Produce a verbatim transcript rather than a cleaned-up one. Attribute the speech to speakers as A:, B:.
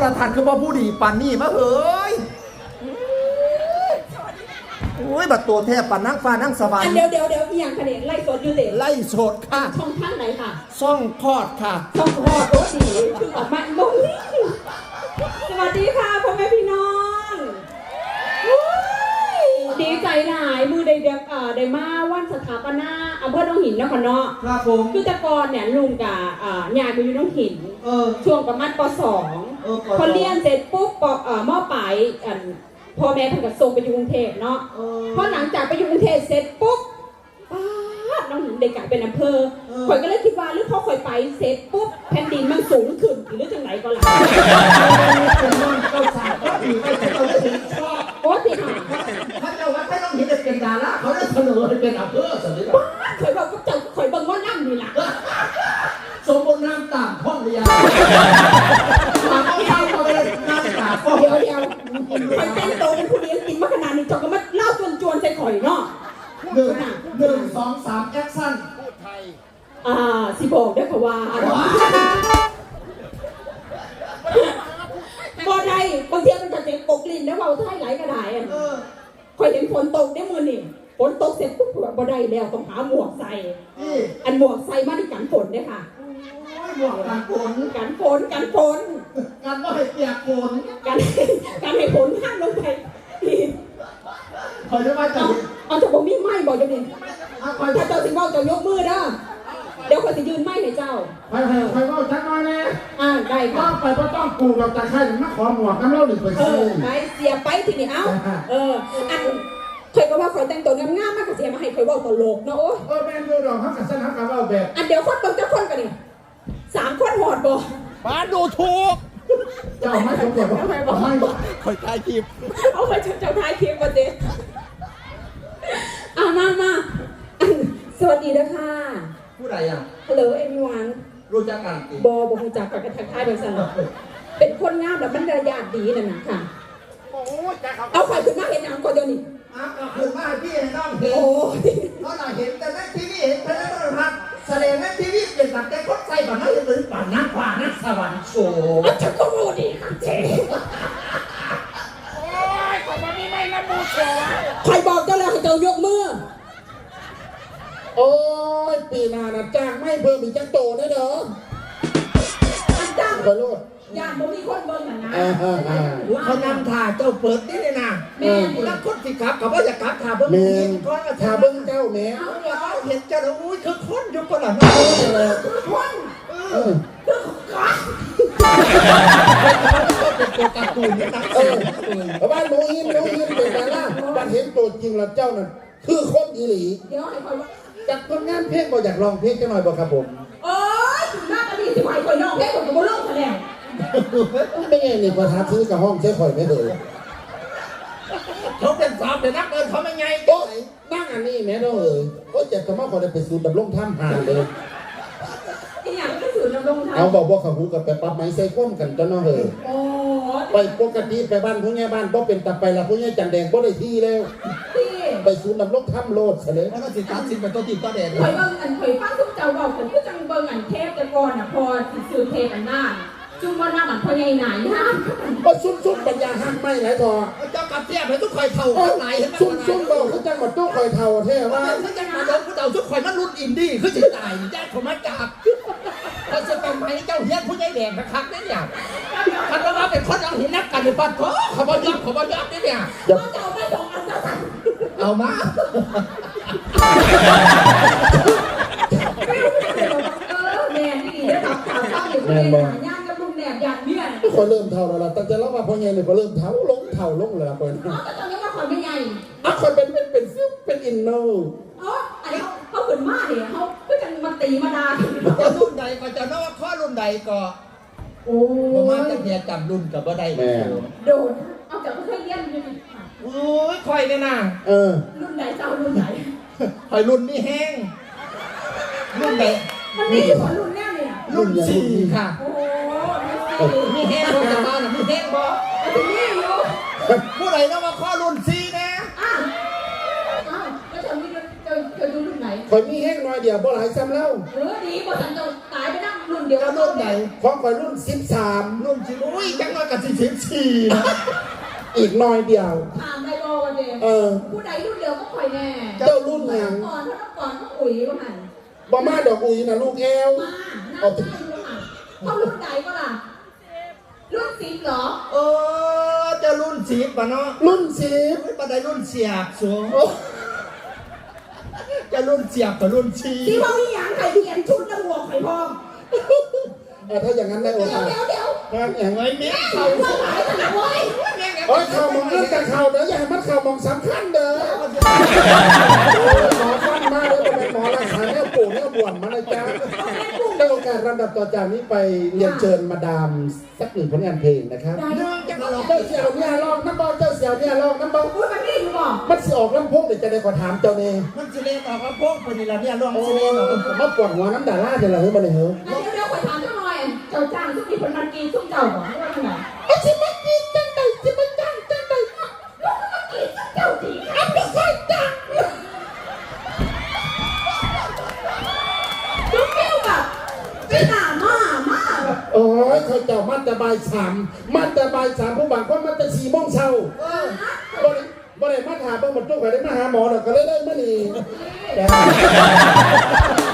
A: รทัศน์คือว่าผู้ดีปันนี่มาเฮ้ยโอ้ยบัดตัวแทบปันนั่งฟ้านั่งสวรรค์
B: เดี๋ยวเดี๋ยวเดี๋ยวอย่างคะแนนไล่สดอยู่เด็ก
A: ไล่สดค่ะ
B: ช่องท่านไหนค่ะ
A: ช่องพอดค่ะ
B: ช่องพอดโอ้ดีคือออกมาโมนี่สวัสดีค่ะพ่อแม่พี่น้องดีใจหลายมือได้เด็กอ่าได้มาวันสถาปนาอำเภอหนองหินนครเนาะ
A: ครับผม
B: คือแต่ก่อนเนี่ยลุงกับอ่ายายไปอยู่หนองหินช่วงประมาณป.สองพอเรียนเสร็จปุ๊บป.เอ่อม.ปลายอันพ่อแม่ท่านก็ส่งไปอยู่กรุงเทพเนาะพอหลังจากไปอยู่กรุงเทพเสร็จปุ๊บป้าน้องหญิงเด็กกลายเป็นอำเภอข่อยก็เลยคิดว่าหรือพอข่อยไปเสร็จปุ๊บแผ่นดินมันสูงขึ้นหรือจังไหนก็ล่ะโอ้ติค่ะ
A: ถ้าเจ้าว่าถ้าน้องหญิงจะเป็นดาราเขาจะเสนอให้เป็นอำเภอสิ
B: ป้าข่อยบอกก็เจ้าข่อยบังว่านั่งนี่ล่ะ
A: สมบูรณ์น้ำตามห้องเรียนมาเอาเข้าเขาไปน้ำตามห้อง
B: เดียวเดียวข่อยเป็นโตเป็นผู้เลี้ยงกินมาขนาดนี้จอกก็มาเล่าจวนจวนใส่ข่อยเนาะ
A: หนึ่งหนึ่งสองสามแอคชั่นพูดไทย
B: อ่าสิบอกได้ค่ะว่าบ่ได้บางทีมันจะเจ็บปกลิ้นแล้วเบาไทยไหลกระดาษอ่ะข่อยเห็นฝนตกได้มือนี่ฝนตกเสร็จปุ๊บบ่ได้แล้วต้องหาหมวกใส่อันหมวกใส่มาในกันฝนเนี่ยค่ะ
A: หมวกกันฝน
B: กันฝนกันฝน
A: กันว่าให้เปียกฝน
B: กันกันให้ฝนห้ามลงไป
A: คอยจะมาจับ
B: เอาจะบอกมีไม้บอกจะดิถ้าเจ้าสิงห์จะยกมือเด้อเดี๋ยวคนจะยืนไม้ให้เจ้า
C: ไปไปไปว่าจักหน่อยแน่
B: อ่าได้ค่ะ
C: ไปก็ต้องปลูกเราจะใครมาขอหมวกน้ำเล่าหนึ่งไปซื้อ
B: ไปเสียไปทีนี้เอ้าเอออันเคยก็ว่าคอยแต่งตัวงามๆมากกับเสียมาให้คอยว่าตลกเนาะโอ้
C: เออแม่ดูดอกเขากับสนามกับว่าแบบ
B: อันเดี๋ยวคนต้องจะคนกันนี่สามคนหอดบ่
A: บ้านดูถูก
C: เจ้าไม่ต้องเก็บไม่บอกไม่บอก
A: คอยถ่ายคลิป
B: เอาไปเจ้าถ่ายคลิปมาเด็ดอ่ะมามาสวัสดีนะคะ
A: ผู้ใดอ่ะ
B: ฮัลโหลเอ็มวัน
A: รู้จักกัน
B: บอบรู้จักกับกระทักทายโดยสารเป็นคนงามแบบบรรยากาศดีนั่นนะค่ะเอาใครขึ้นมาเห็นอย่างก่อนเดี๋ยวนี้
A: อ่ะขึ้นมาพี่ให้น้องเห็น
B: โอ้
A: เพราะเราเห็นแต่ในทีวีเห็นแต่ในโทรทัศน์แสดงในทีวีเป็นแบบแต่คนใส่แบบนั้นเลยป่านนักป่านักสวรรค์โชว์
B: ฉันก็รู้ดีค่ะเจ๊
A: โอ้ยขอบคุณนี่ไม่ละมูโชว์
B: ใครบอกเจ้าแล้วให้เจ้ายกมือ
C: โอ้ยปีนานะจ้างไม่เพิ่มอีกจังโตนะเด้อ
B: จ้าง
C: ไปโลด
B: ย่านบ่มีคนเบิ่งน่ะนะ
A: เขานำถ่าเจ้าเปิดนี่เลยนะ
B: แม่
A: แล้วคนสิครับเขาว่าจะกลับถ่าเบิ้ง
C: ก้อนถ่าเบิ้งเจ้าแม่
A: เห็นเจ้าแล้วอุ้ยคือคนอยู่คนละ
B: น้อยเลยคนเออคือคน
A: เป็นตัวการ์ตูนนะเออ
C: บ้านโมอินโมอินเป็นดาราบ้านเห็นตัวจริงแล้วเจ้านั่นคือคนอีหลี
B: เดี๋ยวให้คอยว่า
C: จากคนงานเพลงบอกอยากลองเพลงจังหน่อยบอกครับผม
B: โอ้ยถึงหน้าก็ดีสิไหวคอยลองเพลงผมก็บ่ลงคะแนน
C: ไม่ไงนี่ประทับซื้อกับห้องใช้ข่อยไม่เลย
A: เขาเป็นสาวเป็นนักเดินเขาไม่ไง
C: โอ้นั่งอันนี้แม่น้องเอ๋ยโอ้จะทำมาขอได้ไปสูดดำลงถ้ำหาเลย
B: ที่อย่างที่สูดดำลงถ้ำ
C: เอาบอกว่าเขาหูกับไปปั๊บไม้ใส่ก้มกันจ้าน้องเอ๋ยไปปกติไปบ้านผู้ใหญ่บ้านก็เป็นตับไปละผู้ใหญ่จันแดงก็ได้ที่แล้วไปสูดดำลงถ้ำโลดเลย
A: เพราะว่าสิตัดสินเป็นตัวติดตัวแดง
B: เคยเบิ่งอันเคยฟังทุกเจ้าบอกผมก็จังเบิ่งอันเทปแต่ก่อนอ่ะพอสื่อเทปอันหน้าจุ่มว่าหน้ามันพอใหญ่หนาย่าง
C: ก็ซุ่มซุ่มปัญญาห้ามไม่ไหลทอ
A: เจ้ากับเทียบให้ทุกคอยเท่าเท่าไหร่เห็นไหม
C: ซุ่มซุ่มบอกเขาจังหวัดตู้คอยเท่าเท่ว่า
A: เขาจะมาโดนผู้เต่าทุกคอยมันรุ่นอินดี้คือสิตายแย่ผมมาจากเขาจะเป็นไม้เจ้าเฮียนผู้ใหญ่แดงนะครับนี่เนี่ยคันว่าเป็นคนเอาหินนักกันในปัดเขาเขาบอลยับเขาบอลยับนี่เนี่ย
B: เอาไม่สองอันจะสั่ง
A: เอามา
B: แม่นี่ได้รับข่าวตั้งอยู่ในหาย่างกับลุงแหนบอย่างเนี้ย
C: คนเริ่มเท่าแล้วล่ะตั้งแต่เรามาพอใหญ่เนี่ยก็เริ่มเท่าลงเท่าลงเลยล่ะคน
B: อ๋อแต่ตอนนี้ว่าคนไม่ใหญ่
C: อ่ะคนเป็นเป็นเป็นซิ่วเป็นอินโน
B: อ๋ออันนี้เขาขึ้นมาเนี่ยเขาก็จะมาตีมาด่า
A: จะรุ่นใดก็จะนึกว่าข้อรุ่นใดก็
B: โอ้
A: ประมาณจะเนี่ยจำรุ่นกับว่าใด
C: แม่
B: โดนเอาจากเคยเลี้ยงอยู่
A: โอ้ยคอยเนี่ยนะ
C: เออ
B: รุ่นไหนเจ้ารุ่นไหน
A: คอยรุ่นนี่แห้งรุ่นไหน
B: มันมีอยู่รุ่นแน่เนี่ย
A: รุ่นสี่ค่ะ
B: โอ้
A: มีแห้งบอจะมาหรือมีแห้งบอ
B: ที่นี่อยู่
A: ผู้ใดต้องมาข้อรุ่นสี่นะ
B: อ้าวอ้าวแล้วจะมีจะจะดูรุ่นไหน
C: คอยมีแห้งน้อยเดียวบ่หลายซ้ำแล้ว
B: เออดีบ่ฉันจะตายไปนั่งรุ่นเดียว
A: รุ่นรุ่นไหน
C: ของข่อยรุ่นสิบสาม
A: รุ่นสิอุ้ยจังน้อยกับสิบสี่นะ
C: อีกหน้อยเดียว
B: ถามได้บ่วันเดียว
C: เออ
B: ผู้ใดรุ่นเดียวก็คอยแน่
C: เจ้ารุ่นหยัง
B: ก่อนถ้าก่อนก็อุ๋ยก็หัน
C: บ่มาดอกอุ๋ยนะลูกแอว
B: มาหน้าใช่ก็หันเขารุ่นไหนก็ล่ะรุ่นสิบเหรอ
A: เออจะรุ่นสิบป่ะเนาะ
C: รุ่นสิบ
A: ไม่ปะได้รุ่นเสียบสูงจะรุ่นเสียบกับรุ่นชี
B: ที่พ่อมีหยังไข่เปลี่ยนชุดแล้วหัวไข่พอง
C: เออถ้าอย่างนั้นได้โอ
B: เดี๋ยว
C: กาส
B: เดี๋ยวเดี๋ยว
C: งานอย่าง
A: เฮ้ยแม่เขา
B: ว่าหลายขนาดไว้
C: โอ้ยข่าวมองเรื่องแต่ข่าวเด้ออย่าให้มันข่าวมองสำคัญเด้อหมอฟันมาเลยเป็นหมอรักษาแนวปู่แนวบ่วนมาเลยจ้าได้โอกาสลำดับต่อจากนี้ไปเรียนเชิญมาดามสักหนึ่งผลงานเพลงนะครับ
B: ได้
A: เนื่องจากเรา
C: เจ้าเสี่ยวเนี่ยลองน้ำเบาเจ้าเสี่ยวเนี่ยลองน้ำเบา
B: พูดมันไม่รู้บอก
C: มันสิออกลำโพงเดี๋ยวจะได้ขอถามเจ้าเน่
A: มันจะเล่นออกมาพวกคนนี้ละเนี่ยร่วม
C: โอ้
A: จะเล่นออกมา
C: มาปวดหัวน้ำด่าล่าเดี๋ยวเราเฮ้ยมาเลยเหรอ
B: เดี๋ยวเดี๋ยวคอยถามเจ้าหน่อยเจ้าจ้างทุกทีคนมันกินทุกเจ้าบอกว่าขนาด
C: ไอ้ชิมันกินจังไดชิมันจังจังได
B: เจ้าดีอันไม่ใช่จ้ะลูกแก้วแบบไม่หนามามาแบบ
C: โอ้ยเขาเจ้ามันจะบายสามมันจะบายสามผู้บางคนมันจะสี่โมงเช้าบ่ได้บ่ได้มาถามเบิ่งหมดทุกคนได้มาหาหมอดอกก็เลยได้มานี่